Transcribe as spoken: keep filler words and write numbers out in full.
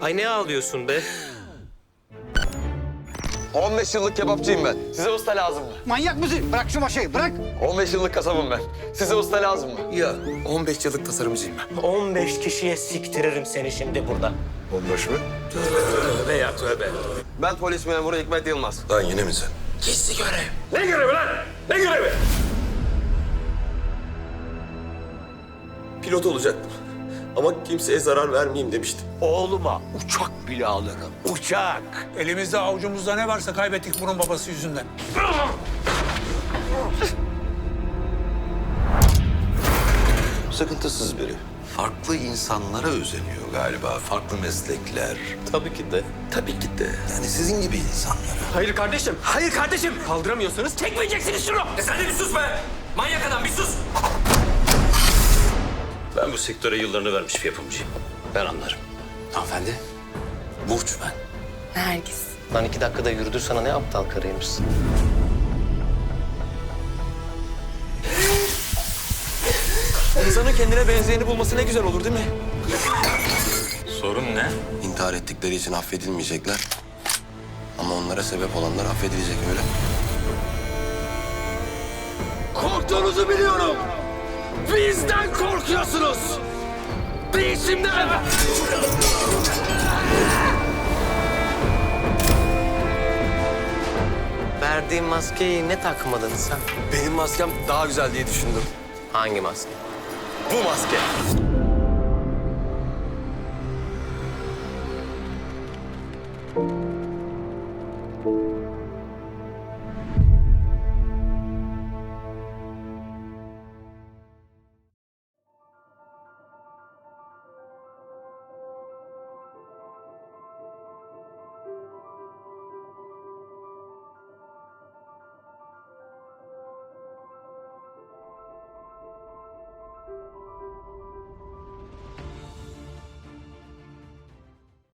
Ay ne ağlıyorsun be? on beş yıllık kebapçıyım ben. Size usta lazım mı? Manyak mısın? Bırak şu maşayı, bırak. on beş yıllık kasabım ben. Size usta lazım mı? Ya on beş yıllık tasarımcıyım ben. on beş kişiye siktiririm seni şimdi burada. on beş mi? Tövbe ya tövbe. Ben polis memuru Hikmet Yılmaz. Lan yine mi sen? Gizli görev. Ne görevi lan? Ne görevi? Pilot olacaktım. Ama kimseye zarar vermeyeyim demiştim. Oğluma uçak bile alırım. Uçak. Elimizde avucumuzda ne varsa kaybettik bunun babası yüzünden. Sıkıntısız biri. Farklı insanlara özeniyor galiba. Farklı meslekler. Tabii ki de. Tabii ki de. Yani sizin gibi insanlara. Hayır kardeşim, hayır kardeşim. Kaldıramıyorsanız çekmeyeceksiniz şunu. E sen de bir sus be. Manyak adam bir sus. Ben bu sektöre yıllarını vermiş bir yapımcıyım. Ben anlarım. Hanımefendi. Burç ben. Nergis. Lan iki dakikada yürüdür sana ne aptal karıymışsın. İnsanın kendine benzeyeni bulması ne güzel olur değil mi? Sorun ne? İntihar ettikleri için affedilmeyecekler. Ama onlara sebep olanlar affedilecek öyle. Korktuğunuzu biliyorum. Bizden korkuyorsunuz. Değişimden. Verdiğim maskeyi ne takmadın sen? Benim maskem daha güzel diye düşündüm. Hangi maske? Bu maske.